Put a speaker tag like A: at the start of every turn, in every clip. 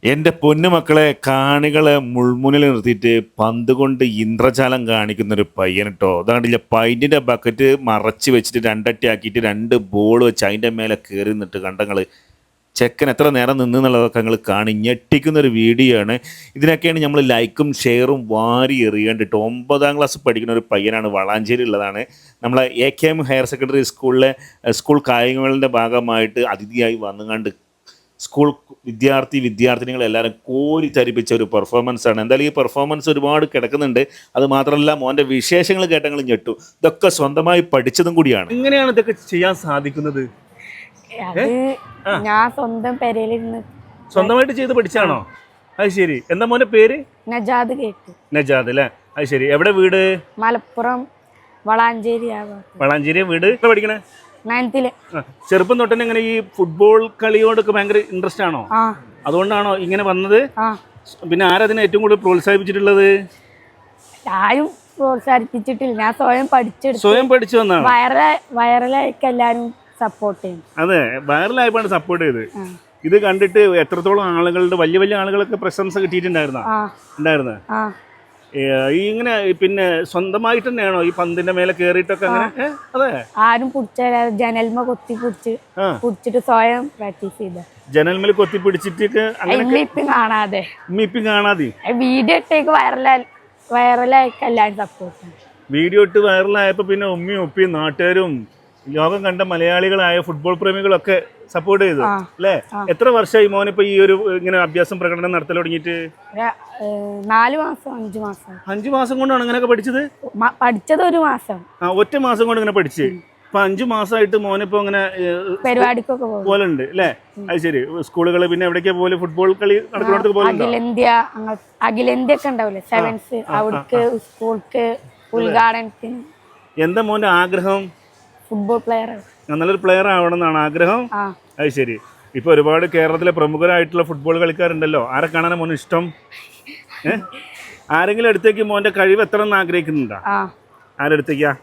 A: എൻ്റെ പൊന്നുമക്കളെ കാണികളെ മുൾമുനിൽ നിർത്തിയിട്ട് പന്ത് കൊണ്ട് ഇന്ദ്രജാലം കാണിക്കുന്നൊരു പയ്യൻ കേട്ടോ. അതാണ്ടില്ല, പൈൻറ്റിൻ്റെ ബക്കറ്റ് മറച്ച് വെച്ചിട്ട് രണ്ടട്ടി ആക്കിയിട്ട് രണ്ട് ബോൾ വെച്ച് അതിൻ്റെ മേലെ കയറി നിന്നിട്ട് കണ്ടങ്ങൾ ചെക്കൻ എത്ര നേരം നിന്നുള്ളതൊക്കെ ഞങ്ങൾ കാണി ഞെട്ടിക്കുന്നൊരു വീഡിയോ ആണ്. ഇതിനൊക്കെയാണ് നമ്മൾ ലൈക്കും ഷെയറും വാരി എറിയേണ്ടിട്ട്. 9ാം ക്ലാസ് പഠിക്കുന്ന ഒരു പയ്യനാണ്, വളാഞ്ചേരി ഉള്ളതാണ്. നമ്മളെ AKM ഹയർ സെക്കൻഡറി സ്കൂളിലെ സ്കൂൾ കായികങ്ങളുടെ ഭാഗമായിട്ട് അതിഥിയായി വന്നുകൊണ്ട് സ്കൂൾ വിദ്യാർത്ഥിനികളെല്ലാവരും കോരി തരിപ്പിച്ച ഒരു പെർഫോമൻസ് ആണ്. എന്തായാലും ഈ പെർഫോമൻസ് ഒരുപാട് കിടക്കുന്നുണ്ട്. അത് മാത്രമല്ല മോൻ്റെ വിശേഷങ്ങൾ കേട്ടങ്ങൾ ഞെട്ടു. ഇതൊക്കെ സ്വന്തമായി പഠിച്ചതും കൂടിയാണ്.
B: എങ്ങനെയാണ് ഇതൊക്കെ ചെയ്യാൻ സാധിക്കുന്നത്?
C: ഞാൻ സ്വന്തം പെരയിലിരുന്ന്
B: സ്വന്തമായിട്ട് ചെയ്ത് പഠിച്ചാണോ? അത് ശരി. എന്താ മോന്റെ പേര്?
C: നജാദ് കേട്ടു.
B: നജാദ് അല്ലേ? അത് ശരി. എവിടെ വീട്?
C: മലപ്പുറം വളാഞ്ചേരി.
B: വളാഞ്ചേരി വീട്. പഠിക്കണേ
C: 9th.
B: ചെറുപ്പം തൊട്ടേ ഇങ്ങനെ ഈ ഫുട്ബോൾ കളിയോടൊക്കെ ഭയങ്കര ഇൻട്രസ്റ്റ് ആണോ? അതുകൊണ്ടാണോ ഇങ്ങനെ വന്നത്? പിന്നെ ആരതിനെ ഏറ്റവും കൂടുതൽ പ്രോത്സാഹിപ്പിച്ചിട്ടുള്ളത്?
C: ആരും പ്രോത്സാഹിപ്പിച്ചിട്ടില്ല, ഞാൻ
B: സ്വയം പഠിച്ചു വന്നാണ്.
C: വൈറലായിക്ക് എല്ലാരും സപ്പോർട്ട് ചെയ്യും.
B: അതെ, വൈറലായപ്പോഴാണ് സപ്പോർട്ട് ചെയ്ത്. ഇത് കണ്ടിട്ട് എത്രത്തോളം ആളുകളുടെ വലിയ വലിയ ആളുകളൊക്കെ പ്രശംസ കിട്ടിയിട്ടുണ്ടായിരുന്ന ഈ ഇങ്ങനെ പിന്നെ സ്വന്തമായിട്ട് തന്നെയാണോ ഈ പന്തിന്റെ മേലെ കേറിയിട്ടൊക്കെ അങ്ങനെ? അതെ,
C: ആരും ജനൽമ കൊത്തി പിടിച്ചിട്ട് സ്വയം പ്രാക്ടീസ് ചെയ്ത.
B: ജനൽമേൽ കൊത്തി പിടിച്ചിട്ടൊക്കെ
C: കാണാതെ
B: വീഡിയോ
C: ഇട്ടേക്ക് വൈറലായിക്ക് എല്ലാരും സപ്പോർട്ട്.
B: വീഡിയോ ഇട്ട് വൈറലായപ്പോ പിന്നെ ഉമ്മയും ഉപ്പയും നാട്ടുകാരും ലോകം കണ്ട മലയാളികളായ ഫുട്ബോൾ പ്രേമികളൊക്കെ സപ്പോർട്ട് ചെയ്തു അല്ലേ? എത്ര വർഷമായി മോനിപ്പോ ഈ ഒരു ഇങ്ങനെ അഭ്യാസം പ്രകടനം നടത്തൽ തുടങ്ങിയിട്ട്?
C: 4 മാസം 5 മാസം.
B: 5 മാസം കൊണ്ടാണ് അങ്ങനെയൊക്കെ പഠിച്ചത്?
C: പഠിച്ചത് 1 മാസം.
B: ഒറ്റ മാസം കൊണ്ട് ഇങ്ങനെ പഠിച്ച് ഇപ്പൊ 5 മാസമായിട്ട് മോനിപ്പോ ഇങ്ങനെ
C: പരിപാടിക്കൊക്കെ
B: പോലുണ്ട് അല്ലേ? അത് ശരി. സ്കൂളുകള് പിന്നെ എവിടേക്കാ പോലെ ഫുട്ബോൾ കളി നടക്കുന്നിടത്ത് പോലെ
C: അഖിലേന്ത്യ ഒക്കെ ഉണ്ടാവില്ലേ, 7th അവിടേക്ക് സ്കൂൾക്ക് ഉദ്ഘാടനത്തിന്.
B: എന്താ മോന്റെ ആഗ്രഹം?
C: ഫുട്ബോൾ പ്ലെയർ,
B: നല്ലൊരു പ്ലെയർ ആവണം എന്നാണ് ആഗ്രഹം. അത് ശരി. ഇപ്പൊ ഒരുപാട് കേരളത്തിലെ പ്രമുഖരായിട്ടുള്ള ഫുട്ബോൾ കളിക്കാരുണ്ടല്ലോ, ആരെ കാണാനാ മോന് ഇഷ്ടം? ആരെങ്കിലും അടുത്തേക്ക് മോന്റെ കഴിവ് എത്ര എന്ന് ആഗ്രഹിക്കുന്നുണ്ടോ? ആരെടുത്തേക്കാ?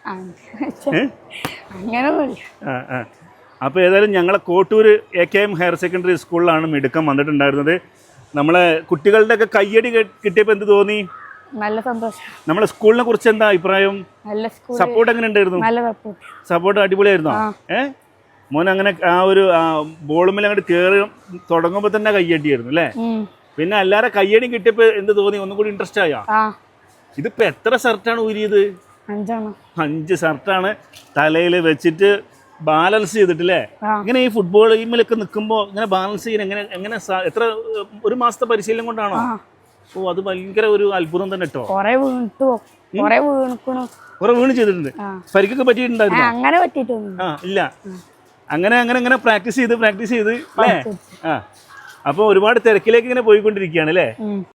B: അപ്പോൾ ഏതായാലും ഞങ്ങളെ കോട്ടൂർ AKM ഹയർ സെക്കൻഡറി സ്കൂളിലാണ് മിടുക്കം വന്നിട്ടുണ്ടായിരുന്നത്. നമ്മളെ കുട്ടികളുടെ ഒക്കെ കയ്യടി കിട്ടിയപ്പോൾ എന്ത് തോന്നി?
C: നല്ല സന്തോഷം.
B: നമ്മളെ സ്കൂളിനെ കുറിച്ച് എന്താ അഭിപ്രായം? സപ്പോർട്ട് എങ്ങനെ ഉണ്ടായിരുന്നു? സപ്പോർട്ട് അടിപൊളിയായിരുന്നോ? മോൻ അങ്ങനെ ആ ഒരു ബോളുമേൽ അങ്ങോട്ട് കയറി തുടങ്ങുമ്പോൾ തന്നെ കയ്യടിയായിരുന്നു അല്ലേ? പിന്നെ എല്ലാവരും കയ്യടിയും കിട്ടിയപ്പോൾ എന്ത് തോന്നി? ഒന്നും കൂടി ഇൻട്രസ്റ്റ് ആയോ? ഇതിപ്പോ എത്ര ഷർട്ടാണ് ഊരിയത്? 5 ഷർട്ടാണ് തലയിൽ വെച്ചിട്ട് ബാലൻസ് ചെയ്തിട്ടില്ലേ? ഇങ്ങനെ ഈ ഫുട്ബോൾ ടീമിലൊക്കെ നിൽക്കുമ്പോൾ ഇങ്ങനെ ബാലൻസ് ചെയ്യാൻ എങ്ങനെ എത്ര 1 മാസത്തെ പരിശീലനം കൊണ്ടാണോ? ഓ, അത് ഭയങ്കര ഒരു അത്ഭുതം തന്നെ കേട്ടോ.
C: കൊറേ
B: വീണ് ചെയ്തിട്ടുണ്ട്. പരിക്കൊക്കെ പറ്റിയിട്ടുണ്ടായിരുന്നു?
C: അങ്ങനെ പറ്റിയിട്ടൊന്നും
B: ഇല്ല. അങ്ങനെ പ്രാക്ടീസ് ചെയ്ത് അല്ലേ? അപ്പോൾ ഒരുപാട് തിരക്കിലേക്ക് ഇങ്ങനെ പോയിക്കൊണ്ടിരിക്കുകയാണ് അല്ലേ?